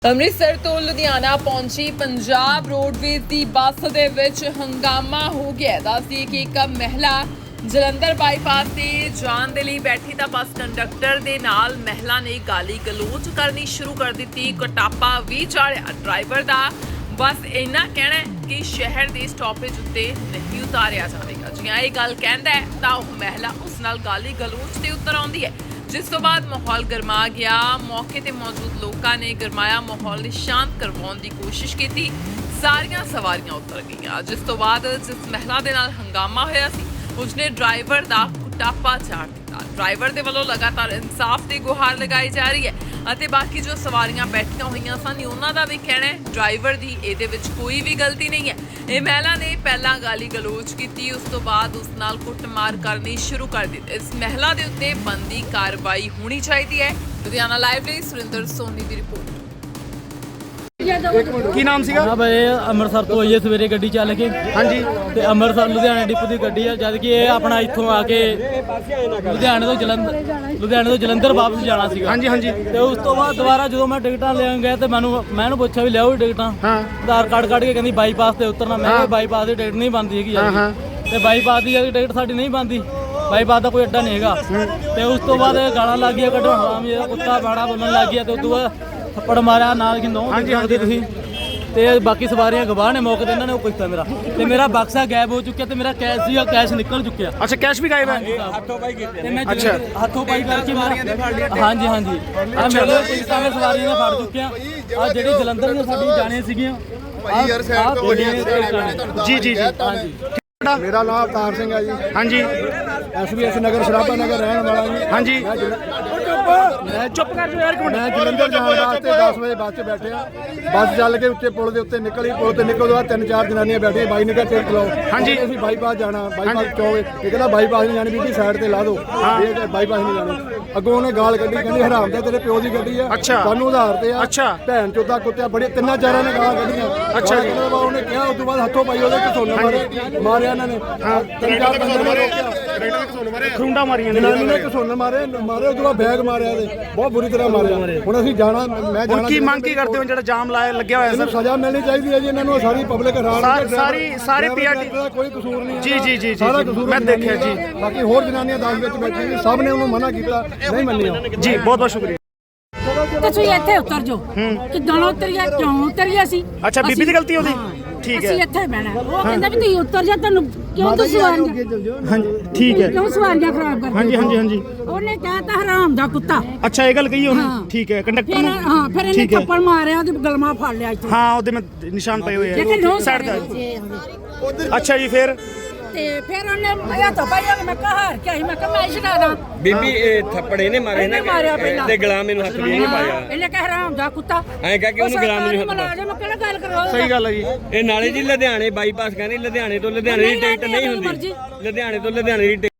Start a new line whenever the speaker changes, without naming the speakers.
ਅੰਮ੍ਰਿਤਸਰ ਤੋਂ ਲੁਧਿਆਣਾ ਪਹੁੰਚੀ ਪੰਜਾਬ ਰੋਡਵੇਜ਼ ਦੀ ਬੱਸ ਦੇ ਵਿੱਚ ਹੰਗਾਮਾ ਹੋ ਗਿਆ। ਦੱਸਦੀ ਕਿ ਇੱਕ ਮਹਿਲਾ ਜਲੰਧਰ ਬਾਈਪਾਸ ਤੇ ਜਾਣ ਦੇ ਲਈ ਬੈਠੀ ਤਾਂ ਬੱਸ ਕੰਡਕਟਰ ਦੇ ਨਾਲ ਮਹਿਲਾ ਨੇ ਗਾਲੀ ਗਲੋਚ ਕਰਨੀ ਸ਼ੁਰੂ ਕਰ ਦਿੱਤੀ। ਕਟਾਪਾ ਵੀ ਚਾੜਿਆ ਡਰਾਈਵਰ ਦਾ। ਬਸ ਇੰਨਾ ਕਹਿਣਾ ਹੈ ਕਿ ਸ਼ਹਿਰ ਦੇ ਸਟਾਪੇਜ ਉੱਤੇ ਨਹੀਂ ਉਤਾਰਿਆ ਜਾਵੇਗਾ। ਜਿਵੇਂ ਇਹ ਗੱਲ ਕਹਿੰਦਾ ਹੈ ਤਾਂ ਉਹ ਮਹਿਲਾ ਉਸ ਨਾਲ ਗਾਲੀ ਗਲੋਚ ਤੇ ਉਤਰ ਆਉਂਦੀ ਹੈ, जिस तो बाद माहौल गरमा गया। मौके ते मौजूद लोगों ने गरमाया माहौल शांत करवाने की कोशिश की। सारियां सवारियां उतर गईयां, जिस तो बाद जिस महिला दे नाल हंगामा होया सी उसने ड्राइवर दा कुटापा चाड़ दिता। ड्राइवर दे वल्लों लगातार इंसाफ की गुहार लगाई जा रही है ਅਤੇ बाकी जो सवारियां बैठियां होईयां सन उन्हां दा भी कहना है ड्राइवर दी इहदे विच कोई भी गलती नहीं है। ਇਹ ਮਹਿਲਾ ਨੇ ਪਹਿਲਾਂ ਗਾਲੀ ਗਲੋਚ ਕੀਤੀ, ਉਸ ਤੋਂ ਬਾਅਦ ਉਸ ਨਾਲ ਕੁੱਟਮਾਰ ਕਰਨੀ ਸ਼ੁਰੂ ਕਰ ਦਿੱਤੀ। ਇਸ ਮਹਿਲਾ ਦੇ ਉੱਤੇ ਬਣਦੀ ਕਾਰਵਾਈ ਹੋਣੀ ਚਾਹੀਦੀ ਹੈ। ਲੁਧਿਆਣਾ ਲਾਈਵ ਲਈ ਸੁਰਿੰਦਰ ਸੋਨੀ ਦੀ ਰਿਪੋਰਟ।
ਕੀ ਨਾਮ ਸੀਗਾ?
ਹਾਂ ਬਈ ਅੰਮ੍ਰਿਤਸਰ ਤੋਂ ਆਈਏ ਸਵੇਰੇ ਗੱਡੀ ਚੱਲ ਕੇ।
ਹਾਂਜੀ।
ਤੇ ਅੰਮ੍ਰਿਤਸਰ ਲੁਧਿਆਣਾ ਡਿਪੂ ਦੀ ਗੱਡੀ ਆ, ਜਦ ਕਿ ਇਹ ਆਪਣਾ ਇੱਥੋਂ ਆ ਕੇ ਲੁਧਿਆਣੇ ਤੋਂ ਜਲੰਧਰ ਵਾਪਸ ਜਾਣਾ ਸੀਗਾ।
ਹਾਂਜੀ ਹਾਂਜੀ।
ਤੇ ਉਸ ਤੋਂ ਬਾਅਦ ਦੁਬਾਰਾ ਜਦੋਂ ਮੈਂ ਟਿਕਟਾਂ ਲੈਣ ਗਿਆ ਤੇ ਮੈਂ ਇਹਨੂੰ ਪੁੱਛਿਆ ਵੀ ਲਿਆਓ ਟਿਕਟਾਂ।
ਹਾਂ।
ਆਧਾਰ ਕਾਰਡ ਕੱਢ ਕੇ ਕਹਿੰਦੀ ਬਾਈਪਾਸ ਤੇ ਉਤਰਨਾ। ਮੈਂ ਕਿਹਾ ਬਾਈਪਾਸ ਦੀ ਟਿਕਟ ਨਹੀਂ ਬਣਦੀ ਹੈਗੀ ਯਾਰ। ਤੇ ਬਾਈਪਾਸ ਦੀ ਟਿਕਟ ਸਾਡੀ ਨਹੀਂ ਬਣਦੀ, ਬਾਈਪਾਸ ਦਾ ਕੋਈ ਅੱਡਾ ਨਹੀਂ ਹੈਗਾ। ਤੇ ਉਸ ਤੋਂ ਬਾਅਦ ਗਾਲਾਂ ਲੱਗ ਗਈਆਂ ਕੱਢੋ ਹਰਾਮ ਇਹ ਕੁੱਤਾ ਬਾੜਾ ਬੋਲਣ ਲੱਗ ਗਿਆ। ਤੇ ਉਦੋਂ ਬਾਅਦ ਥੱਪੜ ਮਾਰਿਆ ਨਾਲ ਕਿ ਨੋ ਹਾਂਜੀ ਤੁਸੀਂ। ਤੇ ਬਾਕੀ ਸਵਾਰੀਆਂ ਗਵਾਹ ਨੇ ਮੌਕੇ ਤੇ, ਇਹਨਾਂ ਨੇ ਉਹ ਕੀਤਾ ਮੇਰਾ ਤੇ ਮੇਰਾ ਬਕਸਾ ਗਾਇਬ ਹੋ ਚੁੱਕਿਆ ਤੇ ਮੇਰਾ ਕੈਸ਼ ਸੀਗਾ, ਕੈਸ਼ ਨਿਕਲ ਚੁੱਕਿਆ।
ਅੱਛਾ, ਕੈਸ਼ ਵੀ ਗਾਇਬ ਹੈ?
ਹੱਥੋਂ ਪਾਈ ਕੀਤੇ ਤੇ ਮੈਂ ਹੱਥੋਂ ਪਾਈ ਕਰਕੇ ਹਾਂਜੀ ਹਾਂਜੀ ਆ ਮੇਰੇ ਕੋਈ ਸਾਰੇ ਸਵਾਰੀਆਂ ਨੇ ਫੜ ਚੁੱਕਿਆ। ਆ ਜਿਹੜੀ ਜਲੰਧਰ ਦੀਆਂ ਸਾਡੀ ਜਾਣੀਆਂ ਸੀਗੀਆਂ
ਜੀ ਜੀ ਜੀ।
ਹਾਂਜੀ।
ਮੇਰਾ ਨਾਮ ਅਵਤਾਰ ਸਿੰਘ ਹੈ ਜੀ।
ਹਾਂਜੀ।
SBS ਨਗਰ ਸਰਾਭਾ ਨਗਰ ਰਹਿਣ ਵਾਲਾ ਜੀ।
ਹਾਂਜੀ। ਚੁੱਪ ਕਰ ਜਾਓ ਯਾਰ ਇੱਕ ਮਿੰਟ।
ਮੈਂ ਜਲੰਧਰ ਜਾਣ ਵਾਸਤੇ 10 ਵਜੇ ਬੱਸ 'ਚ ਬੈਠਿਆ। ਬੱਸ ਚੱਲ ਕੇ ਉੱਤੇ ਪੁਲ ਦੇ ਉੱਤੇ ਨਿਕਲੀ। ਪੁਲ ਤੇ ਨਿਕਲਣ ਤੋਂ ਬਾਅਦ 3-4 ਜਨਾਨੀਆਂ ਬੈਠੀਆਂ। ਬਾਈ ਨੇ ਕਿਹਾ ਟਿਕਟ ਲਓ।
ਹਾਂਜੀ।
ਅਸੀਂ ਬਾਈਪਾਸ ਜਾਣਾ, ਬਾਈਪਾਸ ਚੋਂ ਇਹ ਕਹਿੰਦਾ ਬਾਈਪਾਸ ਨਹੀਂ ਜਾਣੀ ਬੀਬੀ, ਸਾਈਡ ਤੇ ਲਾ ਦਿਓ। ਇਹ ਬਾਈਪਾਸ ਨਹੀਂ ਜਾਣੀ। ਅੱਗੋਂ ਉਹਨੇ ਗਾਲ ਕੱਢੀ, ਕਹਿੰਦੀ ਹਰਾਮ ਦਾ ਤੇਰੇ ਪਿਓ ਦੀ ਗੱਡੀ ਆ, ਸਾਨੂੰ ਉਧਾਰ ਤੇ ਆ।
ਅੱਛਾ।
ਭੈਣ ਚੋਦਾ ਕੁੱਤਿਆ ਬੜੇ 3-4 ਨੇ ਗਾਲਾਂ ਕੱਢੀਆਂ।
ਅੱਛਾ।
ਉਹਨੇ ਕਿਹਾ ਉਸ ਤੋਂ ਬਾਅਦ ਹੱਥੋਂ ਪਾਈ ਉਹਦੇ ਘਸੋਨਾ ਮਾਰਿਆ ਇਹਨਾਂ ਨੇ। 3-4 ਬੰਦੇ ਨੇ ਰੋਕਿਆ,
ਖਰੁੰਡਾ ਮਾਰੀਆਂ ਨੇ।
ਜਨਾਨੀ ਨੇ ਘਸੋਨਾ ਮਾਰੇ ਉਸ ਤੋਂ ਬਾਅਦ ਬੈਗ ਮਾਰਿਆ ਤੇ ਬਹੁਤ ਬੁਰੀ ਤਰ੍ਹਾਂ ਮਾਰਿਆ। ਹੁਣ ਅਸੀਂ ਜਾਣਾ, ਮੈਂ ਜਾਣਾ।
ਕੀ ਮੰਗ ਕੀ ਕਰਦੇ ਹੋ? ਜਿਹੜਾ ਜਾਮ ਲਾਇਆ ਲੱਗਿਆ ਹੋਇਆ ਸਰ,
ਸਜ਼ਾ ਮਿਲਣੀ ਚਾਹੀਦੀ ਹੈ ਜੀ ਇਹਨਾਂ ਨੂੰ। ਸਾਰੀ ਪਬਲਿਕ ਹੈਰਾਨ,
ਸਾਰੀ PRT
ਦਾ ਕੋਈ ਕਸੂਰ ਨਹੀਂ ਹੈ।
ਜੀ ਜੀ ਜੀ
ਸਾਰਾ ਕਸੂਰ
ਮੈਂ ਦੇਖਿਆ ਜੀ।
ਬਾਕੀ ਹੋਰ ਜਨਾਨੀਆਂ 10 ਵਿੱਚ ਬੈਠੀਆਂ ਸੀ, ਸਭ ਨੇ ਉਹਨੂੰ ਮਨਾ ਕੀਤਾ, ਨਹੀਂ ਮੰਨਿਆ
ਜੀ। ਬਹੁਤ ਬਹੁਤ ਸ਼ੁਕਰੀਆ।
ਤੁਸੀਂ ਇੱਥੇ ਉਤਰ ਜਾਓ। ਕਿੱਦਾਂ ਉਤਰੀਆ, ਕਿਉਂ ਉਤਰੀਆ ਸੀ?
ਅੱਛਾ, ਬੀਬੀ ਦੀ ਗਲਤੀ ਉਹਦੀ? ਠੀਕ ਹੈ।
ਅਸੀਂ ਇੱਥੇ ਬਹਿਣਾ। ਉਹ ਕਹਿੰਦਾ ਵੀ ਤੁਸੀਂ ਉਤਰ ਜਾ, ਤੁਹਾਨੂੰ ਕਿਉਂ ਤੁਸੀਂ ਸਵਾਰੀਆਂ
ਹਾਂਜੀ ਠੀਕ ਹੈ।
ਕਿਉਂ ਸਵਾਰੀਆਂ ਖਰਾਬ ਕਰਦੇ?
ਹਾਂਜੀ ਹਾਂਜੀ ਹਾਂਜੀ।
ਉਹਨੇ ਕਹਿਤਾ ਹਰਾਮ ਦਾ ਕੁੱਤਾ।
ਅੱਛਾ, ਇਹ ਗੱਲ ਕਹੀ ਉਹਨੇ? ਠੀਕ ਹੈ। ਕੰਡਕਟਰ
ਫਿਰ
ਨੂੰ?
ਹਾਂ, ਫਿਰ ਇਹਨੇ ਥੱਪੜ ਮਾਰਿਆ, ਉਹਦੀ ਗਲਮਾ ਫੜ ਲਿਆ ਇੱਥੇ।
ਹਾਂ, ਉਹਦੇ ਮੈਂ ਨਿਸ਼ਾਨ ਪਏ ਹੋਏ
ਲੇਕਿਨ
ਆ
ਨੋ
ਸਾਈਡ ਤੇ। ਅੱਛਾ ਜੀ। ਫਿਰ
ਤੇ ਫਿਰ ਉਹਨੇ ਮੈਂ ਤਾਂ ਪਾਇਆ, ਮੈਂ ਕਿਹਾ ਹਾਰ ਕੇ ਆਈ, ਮੈਂ ਕਿਹਾ ਮੈਂ ਛਡਾ ਦਾਂ।
ਬੀਬੀ ਇਹ ਥੱਪੜੇ ਨੇ ਮਾਰੇ ਨਾ ਤੇ ਗੁਲਾਮ ਮੈਨੂੰ ਹੱਥ ਵੀ ਨਹੀਂ ਪਾਇਆ।
ਇਹਨੇ ਕਿਹਾ ਹਰਾਮ ਦਾ ਕੁੱਤਾ।
ਐਂ ਕਹਿ ਕੇ ਉਹਨੂੰ ਗੁਲਾਮ ਨੂੰ ਹੱਥ
ਪਾਇਆ। ਮੈਂ ਕਿਹੜਾ ਗੱਲ ਕਰਵਾ?
ਸਹੀ ਗੱਲ ਹੈ ਜੀ।
ਇਹ ਨਾਲੇ ਜੀ ਲੁਧਿਆਣੇ ਬਾਈਪਾਸ ਕਹਿੰਦੇ ਲੁਧਿਆਣੇ ਤੋਂ ਲੁਧਿਆਣੇ ਦੀ ਟਿਕਟ ਨਹੀਂ ਹੁੰਦੀ। ਲੁਧਿਆਣੇ ਤੋਂ ਲੁਧਿਆਣੇ ਦੀ